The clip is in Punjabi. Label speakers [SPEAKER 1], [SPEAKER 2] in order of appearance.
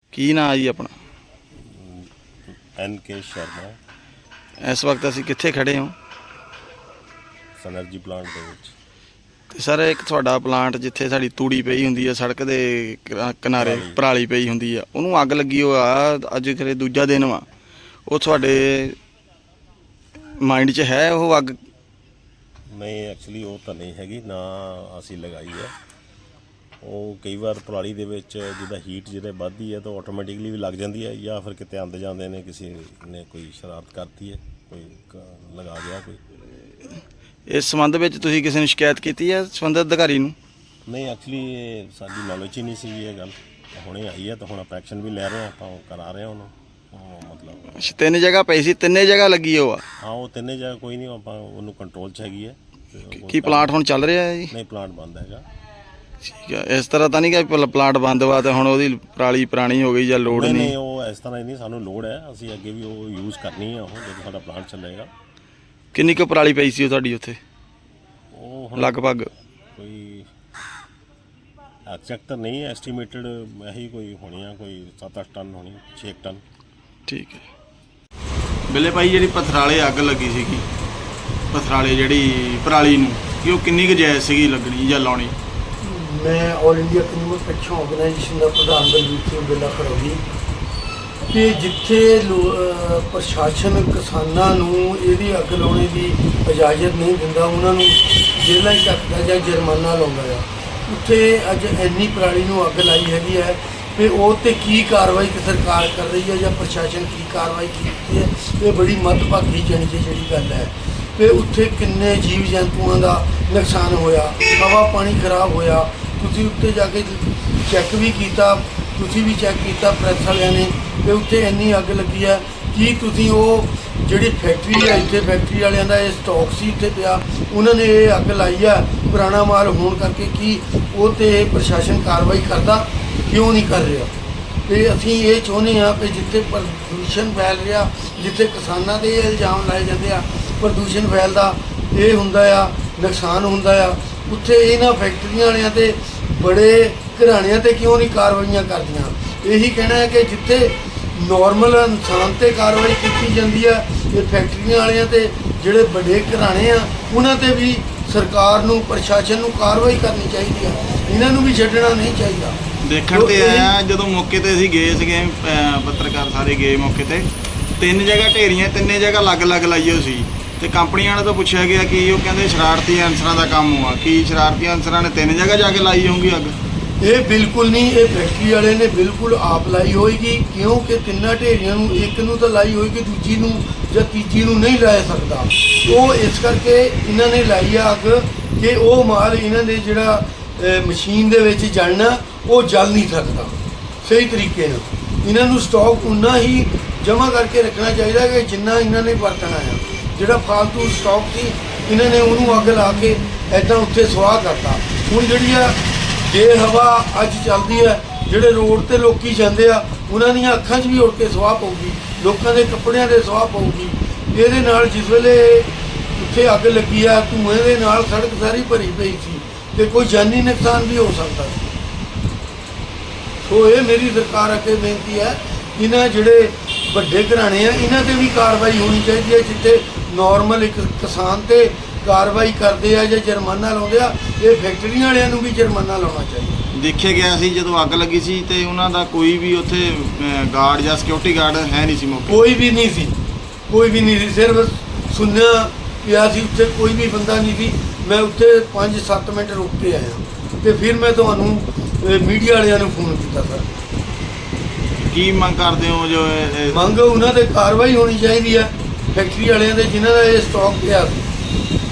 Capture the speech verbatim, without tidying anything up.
[SPEAKER 1] ਕੀ ਨਾਂ ਜੀ ਆਪਣਾ?
[SPEAKER 2] एन के शर्मा
[SPEAKER 1] ਇਸ ਵਕਤ ਅਸੀਂ ਕਿੱਥੇ ਖੜੇ ਹਾਂ?
[SPEAKER 2] ਸਨਰਜੀ ਪਲਾਂਟ ਦੇ ਵਿੱਚ।
[SPEAKER 1] ਤੇ ਸਰ ਇੱਕ ਤੁਹਾਡਾ ਪਲਾਂਟ ਜਿੱਥੇ ਸਾਡੀ ਤੂੜੀ ਪਈ ਹੁੰਦੀ ਆ ਸੜਕ ਦੇ ਕਿਰਾ- ਕਿਨਾਰੇ
[SPEAKER 2] ਪਰਾਲੀ।
[SPEAKER 1] ਪਰਾਲੀ ਪਈ ਹੁੰਦੀ ਆ, ਉਹਨੂੰ ਅੱਗ ਲੱਗੀ ਹੋ ਆ ਅੱਜ ਖਰੇ ਦੂਜਾ ਦਿਨ ਵਾ। ਉਹ ਤੁਹਾਡੇ ਮਾਈਂਡ 'ਚ ਹੈ ਉਹ ਅੱਗ?
[SPEAKER 2] ਨਹੀਂ, ਐਕਚੁਅਲੀ ਉਹ ਤਾਂ ਨਹੀਂ ਹੈਗੀ, ਨਾ ਅਸੀਂ ਲਗਾਈ ਹੈ। ਉਹ ਕਈ ਵਾਰ ਪਰਾਲੀ ਦੇ ਵਿੱਚ ਜਿੱਦਾਂ ਹੀਟ ਜਿਹਦੇ ਵੱਧਦੀ ਹੈ ਤਾਂ ਆਟੋਮੈਟਿਕਲੀ ਵੀ ਲੱਗ ਜਾਂਦੀ ਹੈ, ਜਾਂ ਫਿਰ ਕਿਤੇ ਆਉਂਦੇ ਜਾਂਦੇ ਨੇ ਕਿਸੇ ਨੇ ਕੋਈ ਸ਼ਰਾਰਤ ਕਰਤੀ ਹੈ, ਕੋਈ ਕ- ਲਗਾ ਗਿਆ ਕੋਈ।
[SPEAKER 1] ਇਸ ਸੰਬੰਧ ਵਿੱਚ ਤੁਸੀਂ ਕਿਸੇ ਨੂੰ ਸ਼ਿਕਾਇਤ ਕੀਤੀ ਹੈ ਸੰਬੰਧਿਤ ਅਧਿਕਾਰੀ ਨੂੰ?
[SPEAKER 2] ਨਹੀਂ, ਐਕਚੁਅਲੀ ਸਾਡੀ ਨੌਲੇਜ ਹੀ ਨਹੀਂ ਸੀ ਇਹ ਗੱਲ, ਹੁਣੇ ਆਈ ਹੈ ਤਾਂ ਹੁਣ ਆਪਾਂ ਐਕਸ਼ਨ ਵੀ ਲੈ ਰਹੇ ਹਾਂ, ਆਪਾਂ ਉਹ ਕਰਾ ਰਹੇ ਹਾਂ ਉਹਨੂੰ। ਉਹ ਮਤਲਬ
[SPEAKER 1] ਅੱਛਾ, ਤਿੰਨ ਜਗ੍ਹਾ ਪਈ ਸੀ, ਤਿੰਨੇ ਜਗ੍ਹਾ ਲੱਗੀ ਉਹ ਆ?
[SPEAKER 2] ਹਾਂ, ਉਹ ਤਿੰਨੇ ਜਗ੍ਹਾ ਕੋਈ ਨਹੀਂ, ਆਪਾਂ ਉਹਨੂੰ ਕੰਟਰੋਲ 'ਚ ਹੈਗੀ ਹੈ। ਤੇ ਉਹ
[SPEAKER 1] ਕੀ ਪਲਾਂਟ ਹੁਣ ਚੱਲ ਰਿਹਾ ਹੈ ਜੀ?
[SPEAKER 2] ਨਹੀਂ, ਪਲਾਂਟ ਬੰਦ ਹੈਗਾ।
[SPEAKER 1] ਠੀਕ ਆ, ਇਸ ਤਰ੍ਹਾਂ ਤਾਂ ਨਹੀਂ ਕਿ ਪਲ- ਪਲਾਂਟ ਬੰਦ ਵਾ ਤੇ ਹੁਣ ਉਹਦੀ ਪਰਾਲੀ ਪੁਰਾਣੀ ਹੋ ਗਈ ਜਾਂ ਲੋੜ
[SPEAKER 2] ਨਹੀਂ
[SPEAKER 1] ਨਹੀਂ?
[SPEAKER 2] ਨਹੀਂ, ਉਹ ਇਸ ਤਰ੍ਹਾਂ ਹੀ ਨਹੀਂ, ਸਾਨੂੰ ਲੋੜ ਹੈ, ਅਸੀਂ ਅੱਗੇ ਵੀ ਉਹ ਯੂਜ਼ ਕਰਨੀ ਹੈ ਉਹ ਜਦੋਂ ਸਾਡਾ ਪਲਾਂਟ ਚੱਲੇਗਾ।
[SPEAKER 1] ਕਿੰਨੀ ਕੁ ਪਰਾਲੀ ਪਈ ਸੀ ਉਹ ਤੁਹਾਡੀ ਉੱਥੇ
[SPEAKER 2] ਉਹ ਹੁਣ
[SPEAKER 1] ਲਗਭਗ?
[SPEAKER 2] ਕੋਈ ਐਗਜ਼ੈਕਟ ਤਾਂ ਨਹੀਂ, ਐਸਟੀਮੇਟਡ ਇਹੀ ਕੋਈ ਹੋਣੀ ਆ, ਕੋਈ ਸੱਤ ਅੱਠ ਟਨ ਹੋਣੀ, ਛੇ ਟਨ।
[SPEAKER 1] ਠੀਕ ਹੈ। ਬਿੱਲੇ ਭਾਈ, ਜਿਹੜੀ ਪਥਰਾਲੇ ਅੱਗ ਲੱਗੀ ਸੀਗੀ, ਪਥਰਾਲੇ ਜਿਹੜੀ ਪਰਾਲੀ ਨੂੰ, ਕਿ ਉਹ ਕਿੰਨੀ ਕੁ ਜਾਇਜ਼ ਸੀਗੀ ਲੱਗਣੀ ਜਾਂ ਲਾਉਣੀ?
[SPEAKER 3] ਮੈਂ all India consumer protection organisation ਦਾ ਪ੍ਰਧਾਨ ਬਲਵੀਰ ਸਿੰਘ ਬਿੱਲਾ ਖਰੋੜੀ ਕਿ ਜਿੱਥੇ ਲੋ- ਅਹ ਪ੍ਰਸ਼ਾਸਨ ਕਿਸਾਨਾਂ ਨੂੰ ਇਹਦੀ ਅੱਗ ਲਾਉਣੇ ਦੀ ਇਜਾਜ਼ਤ ਨਹੀਂ ਦਿੰਦਾ, ਉਹਨਾਂ ਨੂੰ ਜੇਲ੍ਹਾਂ 'ਚ ਰੱਖਦਾ ਜਾਂ ਜੁਰਮਾਨਾ ਲਾਉਂਦਾ ਆ, ਉੱਥੇ ਅੱਜ ਇੰਨੀ ਪਰਾਲੀ ਨੂੰ ਅੱਗ ਲਾਈ ਹੈਗੀ ਹੈ ਤੇ ਉਹ 'ਤੇ ਕੀ ਕਾਰਵਾਈ ਕਿ ਸਰਕਾਰ ਕਰ ਰਹੀ ਹੈ ਜਾਂ ਪ੍ਰਸ਼ਾਸਨ ਕੀ ਕਾਰਵਾਈ ਕੀਤੀ ਹੈ, ਇਹ ਬੜੀ ਮੱਦਭਾਗੀ ਜਣੀ ਜਿਹੜੀ ਗੱਲ ਹੈ। ਤੇ ਉੱਥੇ ਕਿੰਨੇ ਜੀਵ ਜੰਤੂਆਂ ਦਾ ਨੁਕਸਾਨ ਹੋਇਆ, ਹਵਾ ਪਾਣੀ ਖਰਾਬ ਹੋਇਆ। ਤੁਸੀਂ ਉੱਤੇ ਜਾ ਕੇ ਚੈੱਕ ਵੀ ਕੀਤਾ, ਤੁਸੀਂ ਵੀ ਚੈੱਕ ਕੀਤਾ ਪ੍ਰੈਸ ਵਾਲਿਆਂ ਨੇ, ਤੇ ਉੱਥੇ ਇੰਨੀ ਅੱਗ ਲੱਗੀ ਹੈ। ਕੀ ਤੁਸੀਂ ਉਹ ਜਿਹੜੀ ਫੈਕਟਰੀ ਹੈ, ਇੱਥੇ ਫੈਕਟਰੀ ਵਾਲਿਆਂ ਦਾ ਇਹ ਸਟਾਕ ਸੀ ਇੱਥੇ ਪਿਆ, ਉਹਨਾਂ ਨੇ ਇਹ ਅੱਗ ਲਾਈ ਆ ਪੁਰਾਣਾ ਮਾਲ ਹੋਣ ਕਰਕੇ, ਕੀ ਉਹ 'ਤੇ ਪ੍ਰਸ਼ਾਸਨ ਕਾਰਵਾਈ ਕਰਦਾ? ਕਿਉਂ ਨਹੀਂ ਕਰ ਰਿਹਾ? ਤੇ ਅਸੀਂ ਇਹ ਚਾਹੁੰਦੇ ਹਾਂ ਕਿ ਜਿੱਥੇ ਪ੍ਰਦੂਸ਼ਣ ਫੈਲ ਰਿਹਾ, ਜਿੱਥੇ ਕਿਸਾਨਾਂ ਦੇ ਇਹ ਇਲਜ਼ਾਮ ਲਾਏ ਜਾਂਦੇ ਆ ਪ੍ਰਦੂਸ਼ਣ ਫੈਲਦਾ, ਇਹ ਹੁੰਦਾ ਆ, ਨੁਕਸਾਨ ਹੁੰਦਾ ਆ, ਉੱਥੇ ਇਹਨਾਂ ਫੈਕਟਰੀਆਂ ਵਾਲਿਆਂ 'ਤੇ ਬੜੇ ਘਰਾਣਿਆਂ 'ਤੇ ਕਿਉਂ ਨਹੀਂ ਕਾਰਵਾਈਆਂ ਕਰਦੀਆਂ? ਇਹੀ ਕਹਿਣਾ ਹੈ ਕਿ ਜਿੱਥੇ ਨੋਰਮਲ ਇਨਸਾਨ 'ਤੇ ਕਾਰਵਾਈ ਕੀਤੀ ਜਾਂਦੀ ਆ, ਇਹ ਫੈਕਟਰੀਆਂ ਵਾਲਿਆਂ 'ਤੇ ਜਿਹੜੇ ਵੱਡੇ ਘਰਾਣੇ ਆ ਉਹਨਾਂ 'ਤੇ ਵੀ ਸਰਕਾਰ ਨੂੰ, ਪ੍ਰਸ਼ਾਸਨ ਨੂੰ ਕਾਰਵਾਈ ਕਰਨੀ ਚਾਹੀਦੀ ਆ, ਇਹਨਾਂ ਨੂੰ ਵੀ ਛੱਡਣਾ ਨਹੀਂ ਚਾਹੀਦਾ।
[SPEAKER 1] ਦੇਖਣ ਤੇ ਆਇਆ ਜਦੋਂ ਮੌਕੇ ਤੇ ਅਸੀਂ ਗਏ ਸੀਗੇ, ਅਹ ਪੱਤਰਕਾਰ ਸਾਰੇ ਗਏ ਮੌਕੇ ਤੇ, ਤਿੰਨ ਜਗ੍ਹਾ ਢੇਰੀਆਂ, ਤਿੰਨੇ ਜਗ੍ਹਾ ਅਲੱਗ-ਅਲੱਗ ਲਾਈ ਹੋਈ ਸੀ। ਤੇ ਕੰਪਨੀਆਂ ਵਾਲੇ ਤੋਂ ਪੁੱਛਿਆ ਗਿਆ ਕਿ ਉਹ ਕਹਿੰਦੇ ਸ਼ਰਾਰਤੀ ਅਨਸਰਾਂ ਦਾ ਕੰਮ ਹੋਆ। ਕੀ ਸ਼ਰਾਰਤੀ ਅਨਸਰਾਂ ਨੇ ਤਿੰਨ ਜਗ੍ਹਾ ਜਾ ਕੇ ਲਾਈ ਹੋਊਗੀ ਅੱਗ?
[SPEAKER 3] ਇਹ ਬਿਲਕੁਲ ਨਹੀਂ, ਇਹ ਫੈਕਟਰੀ ਵਾਲੇ ਨੇ ਬਿਲਕੁਲ ਆਪ ਲਾਈ ਹੋਏਗੀ, ਕਿਉਂਕਿ ਤਿੰਨਾਂ ਢੇਰੀਆਂ ਨੂੰ ਇੱਕ ਨੂੰ ਤਾਂ ਲਾਈ ਹੋਏਗੀ, ਦੂਜੀ ਨੂੰ ਜਾਂ ਤੀਜੀ ਨੂੰ ਨਹੀਂ ਲਾ ਸਕਦਾ। ਉਹ ਇਸ ਕਰਕੇ ਇਹਨਾਂ ਨੇ ਲਾਈ ਆ ਅੱਗ ਕਿ ਉਹ ਮਾਲ ਇਹਨਾਂ ਦੇ ਜਿਹੜਾ ਅਹ, ਮਸ਼ੀਨ ਦੇ ਵਿੱਚ ਜਲਣਾ, ਉਹ ਜਲ ਨਹੀਂ ਸਕਦਾ ਸਹੀ ਤਰੀਕੇ ਨਾਲ। ਇਹਨਾਂ ਨੂੰ ਸਟਾਕ ਉਨਾ ਹੀ ਜਮ੍ਹਾਂ ਕਰਕੇ ਰੱਖਣਾ ਚਾਹੀਦਾ ਕਿ ਜਿੰਨਾ ਇਹਨਾਂ ਨੇ ਵਰਤਣਾ ਆ। ਜਿਹੜਾ ਫਾਲਤੂ ਸਟਾਕ ਸੀ, ਇਹਨਾਂ ਨੇ ਉਹਨੂੰ ਅੱਗ ਲਾ ਕੇ ਐਦਾਂ ਉੱਥੇ ਸੁਆਹ ਕਰਤਾ। ਹੁਣ ਜਿਹੜੀ ਆ ਬੇਹਵਾ ਅੱਜ ਚੱਲਦੀ ਹੈ, ਜਿਹੜੇ ਰੋਡ ਤੇ ਲੋਕੀ ਜਾਂਦੇ ਆ, ਉਹਨਾਂ ਦੀਆਂ ਅੱਖਾਂ 'ਚ ਵੀ ਉੜ ਕੇ ਸੁਆਹ ਪਊਗੀ, ਲੋਕਾਂ ਦੇ ਕੱਪੜਿਆਂ ਦੇ ਸੁਆਹ ਪਊਗੀ। ਇਹਦੇ ਨਾਲ ਜਿਸ ਵੇਲੇ ਉੱਥੇ ਅੱਗ ਲੱਗੀ ਆ, ਧੂਏ ਦੇ ਨਾਲ ਸੜਕ ਸਾਰੀ ਭਰੀ ਪਈ ਸੀ ਤੇ ਕੋਈ ਜਾਨੀ ਨੁਕਸਾਨ ਵੀ ਹੋ ਸਕਦਾ ਸੀ। ਸੋ ਇਹ ਮੇਰੀ ਸਰਕਾਰ ਅੱਗੇ ਬੇਨਤੀ ਹੈ, ਇਹਨਾਂ ਜਿਹੜੇ ਵੱਡੇ ਘਰਾਣੇ ਆ, ਇਹਨਾਂ 'ਤੇ ਵੀ ਕਾਰਵਾਈ ਹੋਣੀ ਚਾਹੀਦੀ ਹੈ। ਜਿੱਥੇ ਨੋਰਮਲ ਇੱਕ ਕਿਸਾਨ 'ਤੇ ਕਾਰਵਾਈ ਕਰਦੇ ਆ ਜਾਂ ਜੁਰਮਾਨਾ ਲਾਉਂਦੇ ਆ, ਇਹ ਫੈਕਟਰੀਆਂ ਵਾਲਿਆਂ ਨੂੰ ਵੀ ਜੁਰਮਾਨਾ ਲਾਉਣਾ ਚਾਹੀਦਾ।
[SPEAKER 1] ਦੇਖਿਆ ਗਿਆ ਸੀ ਜਦੋਂ ਅੱਗ ਲੱਗੀ ਸੀ ਤੇ ਉਹਨਾਂ ਦਾ ਕੋਈ ਵੀ ਉੱਥੇ ਅਹ, ਗਾਰਡ ਜਾਂ ਸਿਕਿਉਰਿਟੀ ਗਾਰਡ ਹੈ ਨਹੀਂ ਸੀ ਮੌਕੇ?
[SPEAKER 3] ਕੋਈ ਵੀ ਨਹੀਂ ਸੀ, ਕੋਈ ਵੀ ਨਹੀਂ ਸੀ, ਸਿਰਫ ਸੁਣਿਆ ਪਿਆ ਸੀ, ਉੱਥੇ ਕੋਈ ਵੀ ਬੰਦਾ ਨਹੀਂ ਸੀ। ਮੈਂ ਉੱਥੇ ਪੰਜ ਸੱਤ ਮਿੰਟ ਰੁਕ ਕੇ ਆਇਆ ਤੇ ਫਿਰ ਮੈਂ ਤੁਹਾਨੂੰ ਮੀਡੀਆ ਵਾਲਿਆਂ ਨੂੰ ਫੋਨ ਕੀਤਾ ਸਰ।
[SPEAKER 1] ਕੀ ਮੰਗ ਕਰਦੇ ਹੋ? ਜੋ ਇਹ- ਇਹ-
[SPEAKER 3] ਮੰਗ ਉਹਨਾਂ 'ਤੇ ਕਾਰਵਾਈ ਹੋਣੀ ਚਾਹੀਦੀ ਹੈ, ਫੈਕਟਰੀ ਵਾਲਿਆਂ 'ਤੇ ਜਿਨ੍ਹਾਂ ਦਾ ਇਹ ਸਟਾਕ ਪਿਆ ਸੀ।